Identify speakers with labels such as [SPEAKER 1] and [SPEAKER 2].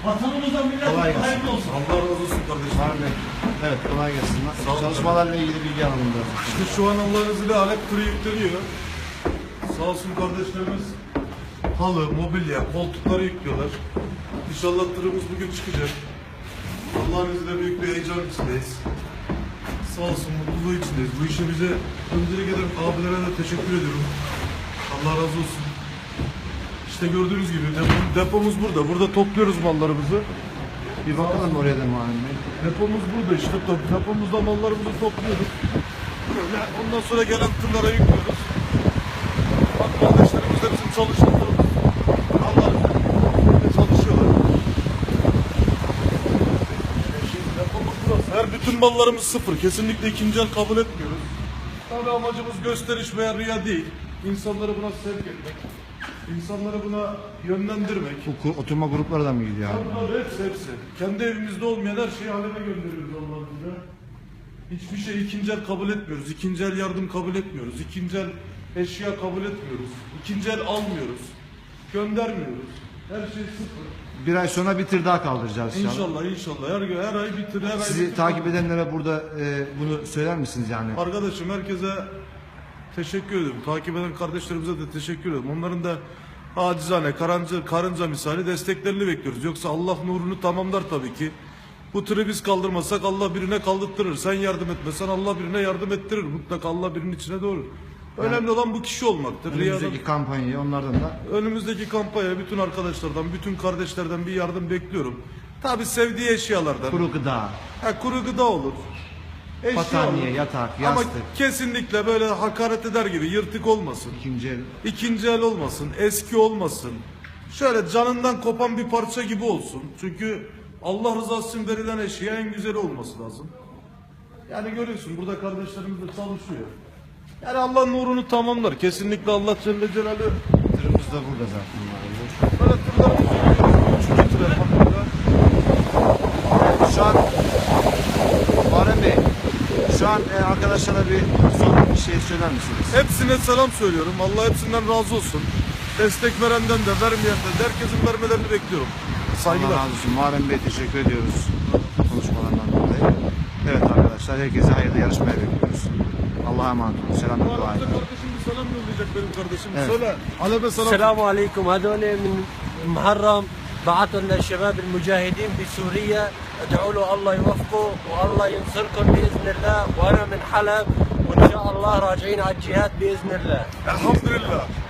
[SPEAKER 1] Vatanımıza
[SPEAKER 2] Kolay
[SPEAKER 1] milletimize
[SPEAKER 2] gelsin.
[SPEAKER 1] hayırlı olsun.
[SPEAKER 3] Allah razı olsun kardeşim.
[SPEAKER 2] Harbi. Evet, kolay gelsin.
[SPEAKER 3] Sağ olun.
[SPEAKER 2] Çalışmalarla ilgili bilgi alalım biraz.
[SPEAKER 3] İşte şu an Allah'ın izniyle alet turu yükleniyor. Sağ olsun kardeşlerimiz halı, mobilya, koltukları yüklüyorlar. İnşallah tırımız bugün çıkacak. Allah'ın izniyle büyük bir heyecan içindeyiz. Sağ olsun mutluluğu içindeyiz. Bu işe bize öncelik eden abilere de teşekkür ediyorum. Allah razı olsun. İşte gördüğünüz gibi depomuz burada. Burada topluyoruz mallarımızı.
[SPEAKER 2] Bir bakalım oraya da Muharrem Bey.
[SPEAKER 3] Depomuz burada işte. Depomuzda mallarımızı topluyoruz. Böyle ondan sonra gelen tırlara yüklüyoruz. Bak kardeşlerimiz de bizim çalışanlarımız. Allah'ın izniyle çalışıyorlar. Depomuz burası. Her bütün mallarımız sıfır. Kesinlikle ikinci el kabul etmiyoruz. Tabii amacımız gösteriş veya riya değil. İnsanları buna sevk etmek. İnsanları buna yönlendirmek.
[SPEAKER 2] Bu oturma grupları mı gidiyor abi?
[SPEAKER 3] Tabii hepsi. Kendi evimizde olmayan her şeyi aleme gönderiyoruz Allah'ın izniyle. Hiçbir şey ikinci el kabul etmiyoruz. İkinci el yardım kabul etmiyoruz. İkinci el eşya kabul etmiyoruz. İkinci el almıyoruz. Göndermiyoruz. Her şey sıfır.
[SPEAKER 2] Bir ay sonra bir tır daha kaldıracağız inşallah.
[SPEAKER 3] İnşallah. Her ay bitir. Her ay
[SPEAKER 2] Sizi
[SPEAKER 3] bitir.
[SPEAKER 2] takip edenlere burada bunu söyler misiniz yani?
[SPEAKER 3] Arkadaşım herkese teşekkür ediyorum. Takip eden kardeşlerimize de teşekkür ediyorum. Onların da acizane, karınca misali desteklerini bekliyoruz. Yoksa Allah nurunu tamamlar tabii ki. Bu tırı biz kaldırmasak Allah birine kaldırtırır. Sen yardım etmesen Allah birine yardım ettirir. Mutlaka Allah birinin içine doğru. Önemli olan bu kişi olmaktır.
[SPEAKER 2] Önümüzdeki kampanyayı onlardan da
[SPEAKER 3] Önümüzdeki kampanya bütün arkadaşlardan, bütün kardeşlerden bir yardım bekliyorum. Tabii sevdiği eşyalardan.
[SPEAKER 2] kuru gıda,
[SPEAKER 3] Kuru gıda olur. Eşya
[SPEAKER 2] battaniye,
[SPEAKER 3] olur.
[SPEAKER 2] yatak,
[SPEAKER 3] Ama
[SPEAKER 2] yastık,
[SPEAKER 3] kesinlikle böyle hakaret eder gibi yırtık olmasın.
[SPEAKER 2] ikinci el.
[SPEAKER 3] İkinci el olmasın, eski olmasın. Şöyle canından kopan bir parça gibi olsun. Çünkü Allah rızası için verilen eşya en güzeli olması lazım. Yani görüyorsun burada kardeşlerimiz de çalışıyor. Yani Allah nurunu tamamlar. Kesinlikle Allah Celle Celaluhu.
[SPEAKER 2] Tırımız da burada zaten.
[SPEAKER 3] Böyle tırlarımız oluyor. Üçüncü tır elhamdülillah.
[SPEAKER 2] Şu an Muharrem Bey, şu an arkadaşlara bir son bir şey söyler misiniz?
[SPEAKER 3] Hepsine selam söylüyorum. Allah hepsinden razı olsun. Destek verenden de vermeyenden de herkesin vermelerini bekliyorum. Saygılar.
[SPEAKER 2] Allah razı olsun. Muharrem Bey teşekkür ediyoruz konuşmalarından dolayı. Evet arkadaşlar, herkese hayırlı yarışmaya bekliyoruz. Allah'a emanet olun. Selam ve
[SPEAKER 3] Bu
[SPEAKER 2] dua
[SPEAKER 3] arada
[SPEAKER 2] edin.
[SPEAKER 3] kardeşim bir selam yollayacak benim kardeşim.
[SPEAKER 2] Evet.
[SPEAKER 3] Söyle. Alebe selam.
[SPEAKER 4] السلام عليكم هذول من محرم بعثوا لنا الشباب المجاهدين بسوريا ادعوا له الله يوفقه والله ينصركم باذن الله وانا من حلب وان شاء الله راجعين على الجهاد باذن الله
[SPEAKER 3] Elhamdülillah.